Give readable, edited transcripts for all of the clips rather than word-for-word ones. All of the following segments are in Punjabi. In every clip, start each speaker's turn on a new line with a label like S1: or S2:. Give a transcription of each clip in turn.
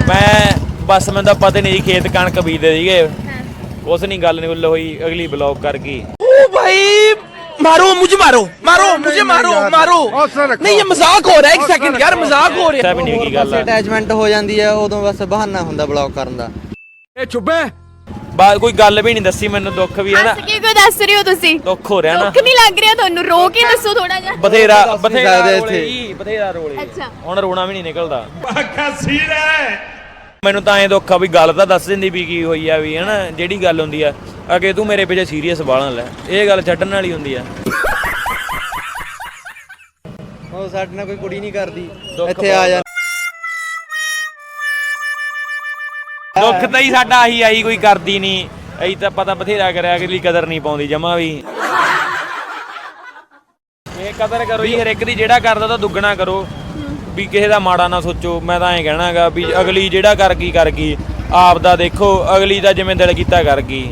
S1: मैं बस मैं पता नहीं खेत कणक बीजते सीगे कुछ नहीं गल नहीं हुई अगली ब्लॉक कर गई।
S2: ओ भाई मारो मुझे मारो मारो मुझे मारो मारो नहीं ये मजाक हो रहा है एक सेकंड यार मजाक हो रहा
S1: भी नहीं की गल
S3: ਅਟੈਚਮੈਂਟ ਹੋ ਜਾਂਦੀ ਹੈ ਉਦੋਂ ਬਸ ਬਹਾਨਾ ਹੁੰਦਾ ਬਲੌਕ ਕਰਨ ਦਾ।
S2: ए चुप्पे
S1: ਬਾਤ ਕੋਈ ਗੱਲ ਵੀ ਨਹੀਂ ਦੱਸੀ ਮੈਨੂੰ ਦੁੱਖ ਵੀ ਹੈ ਨਾ
S4: ਹੱਸ ਕੇ ਕਿਉਂ ਦੱਸ ਰਹੇ ਹੋ ਤੁਸੀਂ?
S1: ਦੁੱਖ ਹੋ ਰਿਹਾ ਨਾ
S4: ਦੁੱਖ ਨਹੀਂ ਲੱਗ ਰਿਹਾ ਤੁਹਾਨੂੰ? ਰੋ ਕੇ ਦੱਸੋ ਥੋੜਾ ਜਿਹਾ।
S1: ਬਥੇਰਾ ਬਥੇਰਾ
S3: ਸਕਦੇ
S1: ਰੋਲੇ
S3: ਇੱਥੇ।
S1: ਜੀ ਬਥੇਰਾ ਰੋਲੇ
S4: ਅੱਛਾ।
S1: ਹੁਣ ਰੋਣਾ ਵੀ ਨਹੀਂ ਨਿਕਲਦਾ ਮੈਨੂੰ ਤਾਂ ਐਂ ਦੁੱਖ ਆ ਵੀ ਗੱਲ ਤਾਂ ਦੱਸ ਦਿੰਦੀ ਵੀ ਕੀ ਹੋਈ ਆ ਵੀ ਹਨਾ ਜਿਹੜੀ ਗੱਲ ਹੁੰਦੀ ਆ ਅੱਗੇ ਤੂੰ ਮੇਰੇ ਪਿੱਛੇ ਸੀਰੀਅਸ ਬਾਲਣ ਲੈ ਇਹ ਗੱਲ ਛੱਡਣ ਵਾਲੀ ਹੁੰਦੀ ਆ।
S3: ਉਹ ਸਾਡੇ ਨਾਲ ਕੋਈ ਕੁੜੀ ਨਹੀਂ ਕਰਦੀ
S1: ਦੁੱਖ
S3: ਇੱਥੇ ਆ ਜਾ।
S1: ਦੁੱਖ ਤਾਂ ਹੀ ਸਾਡਾ ਆਹੀ ਆਈ ਕੋਈ ਕਰਦੀ ਨਹੀਂ ਅਸੀਂ ਤਾਂ ਪਤਾ ਬਥੇਰਾ ਕਰਿਆ ਅਗਲੀ ਕਦਰ ਨਹੀਂ ਪਾਉਂਦੀ ਜਮਾ ਵੀ। ਇਹ ਕਦਰ ਕਰੋ ਜੀ ਹਰ ਇੱਕ ਦੀ ਜਿਹੜਾ ਕਰਦਾ ਤਾਂ ਦੁੱਗਣਾ ਕਰੋ ਵੀ ਕਿਸੇ ਦਾ ਮਾੜਾ ਨਾ ਸੋਚੋ। ਮੈਂ ਤਾਂ ਐਂ ਕਹਿਣਾਗਾ ਵੀ ਅਗਲੀ ਜਿਹੜਾ ਕਰ ਗਈ ਆਪ ਦਾ ਦੇਖੋ ਅਗਲੀ ਦਾ ਜਿਵੇਂ ਦਿਲ ਕੀਤਾ ਕਰ ਗਈ।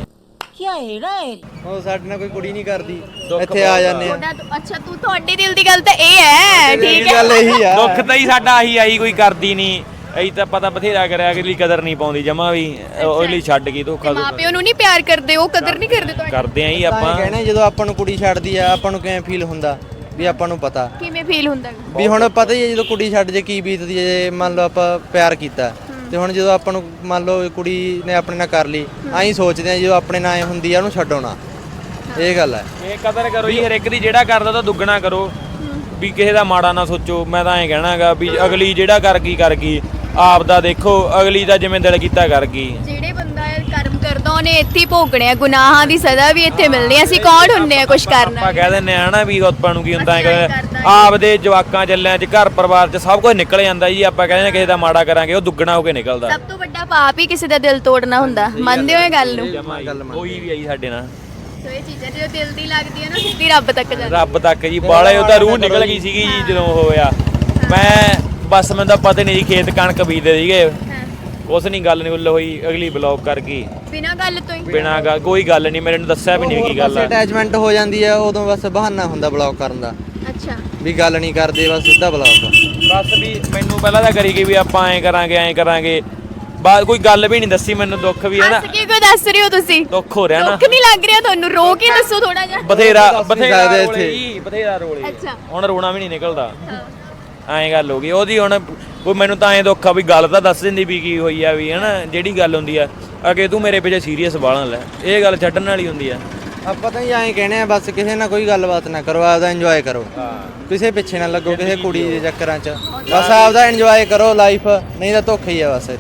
S3: ਉਹ ਸਾਡੇ ਨਾਲ ਕੋਈ ਕੁੜੀ ਨਹੀਂ ਕਰਦੀ ਇੱਥੇ ਆ ਜਾਂਦੇ ਆ।
S4: ਅੱਛਾ ਤੂੰ ਤੁਹਾਡੇ ਦਿਲ ਦੀ ਗੱਲ ਤਾਂ ਇਹ ਹੈ ਠੀਕ ਹੈ।
S3: ਗੱਲ ਇਹੀ ਆ।
S1: ਦੁੱਖ ਤਾਂ ਹੀ ਸਾਡਾ ਆਹੀ ਆਈ ਕੋਈ ਕਰਦੀ ਨਹੀਂ ਅਸੀਂ ਤਾਂ ਪਤਾ ਬਥੇਰਾ ਕਰਿਆ ਅਗਲੀ ਕਦਰ ਨਹੀਂ ਪਾਉਂਦੀ ਜਮਾ ਵੀ ਅਗਲੀ ਛੱਡ ਗਈ ਧੋਖਾ
S4: ਮਾਂ ਪਿਓ ਨੂੰ ਨਹੀਂ ਪਿਆਰ ਕਰਦੇ ਉਹ ਕਦਰ ਨਹੀਂ ਕਰਦੇ ਤੁਹਾਡੀ?
S1: ਕਰਦੇ ਆਂ ਜੀ
S3: ਆਪਾਂ
S1: ਆਪਾਂ
S3: ਕਹਿੰਦੇ ਜਦੋਂ ਆਪਾਂ ਨੂੰ ਕੁੜੀ ਛੱਡਦੀ ਆ ਆਪਾਂ ਨੂੰ ਕਿਵੇਂ ਫੀਲ ਹੁੰਦਾ ਵੀ ਆਪਾਂ ਨੂੰ ਪਤਾ
S4: ਕਿਵੇਂ ਫੀਲ ਹੁੰਦਾ?
S3: ਵੀ ਹੁਣ ਪਤਾ ਹੀ ਹੈ ਜਦੋਂ ਕੁੜੀ ਛੱਡ ਜੇ ਕੀ ਬੀਤਦੀ ਹੈ ਜੇ ਮੰਨ ਲਓ ਆਪਾਂ ਪਿਆਰ ਕੀਤਾ ਤੇ ਹੁਣ ਜਦੋਂ ਆਪਾਂ ਨੂੰ ਮੰਨ ਲਓ ਕੁੜੀ ਨੇ ਆਪਣੇ ਨਾਲ ਕਰ ਲਈ ਐਂ ਸੋਚਦੇ ਆ ਜਦੋਂ ਆਪਣੇ ਨਾਲ ਹੁੰਦੀ ਆ ਉਹਨੂੰ ਛੱਡੋ ਨਾ। ਇਹ ਗੱਲ ਹੈ।
S1: ਇਹ ਕਦਰ ਕਰੋ ਜੀ ਹਰ ਇੱਕ ਦੀ ਜਿਹੜਾ ਕਰਦਾ ਤਾਂ ਦੁੱਗਣਾ ਕਰੋ ਵੀ ਕਿਸੇ ਦਾ ਮਾੜਾ ਨਾ ਸੋਚੋ। ਮੈਂ ਤਾਂ ਐਂ ਕਹਿਣਾਗਾ ਵੀ ਅਗਲੀ ਜਿਹੜਾ ਕਰ ਗਈ ਆਪ ਦਾ ਦੇਖੋ ਅਗਲੀ ਦਾ ਜਿਵੇਂ ਦਿਲ ਕੀਤਾ ਕਰ ਗਈ।
S4: ਜਿਹੜੇ ਬੰਦਾ ਕਰਮ ਕਰਦਾ ਉਹਨੇ ਇੱਥੇ ਹੀ ਭੋਗਣੇ ਆ ਗੁਨਾਹਾਂ ਦੀ ਸਜ਼ਾ ਵੀ ਇੱਥੇ ਮਿਲਣੀ ਆ। ਅਸੀਂ ਕੌਣ ਹੁੰਨੇ ਆ ਕੁਝ ਕਰਨਾ?
S1: ਆਪਾਂ ਕਹਿ ਦਿੰਦੇ ਆ ਨਾ ਵੀ ਆਪਾਂ ਨੂੰ ਕੀ ਹੁੰਦਾ ਹੈ ਆਪਦੇ ਜਵਾਕਾਂ ਚੱਲਿਆਂ 'ਚ ਘਰ ਪਰਿਵਾਰ 'ਚ ਸਭ ਕੁਝ ਨਿਕਲ ਜਾਂਦਾ ਜੀ। ਆਪਾਂ ਕਹਿੰਦੇ ਕਿਸੇ ਦਾ ਮਾੜਾ ਕਰਾਂਗੇ ਉਹ ਦੁੱਗਣਾ ਹੋ ਕੇ ਨਿਕਲਦਾ।
S4: ਸਭ ਤੋਂ ਵੱਡਾ ਪਾਪ ਹੀ ਕਿਸੇ ਦਾ ਦਿਲ ਤੋੜਨਾ ਹੁੰਦਾ। ਮੰਨਦੇ ਹੋ ਇਹ ਗੱਲ ਨੂੰ?
S1: ਕੋਈ ਵੀ ਆਈ ਸਾਡੇ ਨਾਲ
S4: ਸੋ ਇਹ ਚੀਜ਼ਾਂ ਜਦੋਂ ਦਿਲ ਦੀ ਲੱਗਦੀ ਹੈ ਨਾ ਸਿੱਧੀ ਰੱਬ ਤੱਕ ਜਾਂਦੀ।
S1: ਰੱਬ ਤੱਕ ਜੀ ਬਾਲੇ ਉਹਦਾ ਰੂਹ ਨਿਕਲ ਗਈ ਸੀਗੀ ਜੀ ਜਦੋਂ ਹੋਇਆ। ਮੈਂ ਬਸ ਮੈਨੂੰ ਤਾਂ ਪਤਾ ਨਹੀਂ ਖੇਤ ਕਣਕ ਬੀਜਦੇ ਸੀਗੇ ਕੁਛ ਨਹੀਂ ਗੱਲ ਨਹੀਂ ਹੋਈ ਅਗਲੀ ਬਲੌਕ ਕਰ ਗਈ
S4: ਬਿਨਾਂ ਗੱਲ ਤੋਂ ਹੀ।
S1: ਬਿਨਾਂ ਗੱਲ ਕੋਈ ਗੱਲ ਨਹੀਂ ਮੈਨੂੰ ਦੱਸਿਆ ਵੀ ਨਹੀਂ ਕੀ ਗੱਲ ਆ।
S3: ਅਟੈਚਮੈਂਟ ਹੋ ਜਾਂਦੀ ਹੈ ਉਦੋਂ ਬਸ ਬਹਾਨਾ ਹੁੰਦਾ ਬਲੌਕ ਕਰਨ ਦਾ
S4: ਅੱਛਾ
S3: ਵੀ ਗੱਲ ਨਹੀਂ ਕਰਦੇ ਬਸ ਸਿੱਧਾ ਬਲੌਕ।
S1: ਬਸ ਵੀ ਮੈਨੂੰ ਪਹਿਲਾਂ ਤਾਂ ਕਰੀ ਗਈ ਵੀ ਆਪਾਂ ਐਂ ਕਰਾਂਗੇ ਬਾਅਦ ਕੋਈ ਗੱਲ ਵੀ ਨਹੀਂ ਦੱਸੀ ਮੈਨੂੰ ਦੁੱਖ ਵੀ ਹੈ ਨਾ।
S4: ਹੱਸ ਕੇ ਕਿਉਂ ਦੱਸ ਰਹੇ ਹੋ ਤੁਸੀਂ?
S1: ਦੁੱਖ ਹੋ ਰਿਹਾ ਨਾ
S4: ਦੁੱਖ ਨਹੀਂ ਲੱਗ ਰਿਹਾ ਤੁਹਾਨੂੰ? ਰੋ ਕੇ ਦੱਸੋ ਥੋੜਾ ਜਿਹਾ।
S1: ਬਥੇਰਾ
S3: ਸਕਦੇ
S1: ਰੋਲੇ
S3: ਇੱਥੇ।
S1: ਜੀ ਬਥੇਰਾ ਰੋਲੇ
S4: ਅੱਛਾ।
S1: ਹੁਣ ਰੋਣਾ ਵੀ ਨਹੀਂ ਨਿਕਲਦਾ ਐਂ ਗੱਲ ਹੋ ਗਈ ਉਹਦੀ। ਹੁਣ ਕੋਈ ਮੈਨੂੰ ਤਾਂ ਐਂ ਦੁੱਖ ਆ ਵੀ ਗੱਲ ਤਾਂ ਦੱਸ ਦਿੰਦੀ ਵੀ ਕੀ ਹੋਈ ਆ ਵੀ ਹਨਾ ਜਿਹੜੀ ਗੱਲ ਹੁੰਦੀ ਆ ਅੱਗੇ ਤੂੰ ਮੇਰੇ ਪਿੱਛੇ ਸੀਰੀਅਸ ਬਾਲਣ ਲੈ ਇਹ ਗੱਲ ਛੱਡਣ ਵਾਲੀ ਹੁੰਦੀ ਆ।
S3: ਆਪਾਂ ਤਾਂ ਐਂ ਕਹਿੰਦੇ ਆ ਬਸ ਕਿਸੇ ਨਾਲ ਕੋਈ ਗੱਲਬਾਤ ਨਾ ਕਰੋ ਆਪਦਾ ਇੰਜੋਏ ਕਰੋ ਕਿਸੇ ਪਿੱਛੇ ਨਾ ਲੱਗੋ ਕਿਸੇ ਕੁੜੀ ਦੇ ਚੱਕਰਾਂ 'ਚ ਬਸ ਆਪਦਾ ਇੰਜੋਏ ਕਰੋ ਲਾਈਫ ਨਹੀਂ ਤਾਂ ਧੋਖਾ ਹੀ ਆ ਬਸ।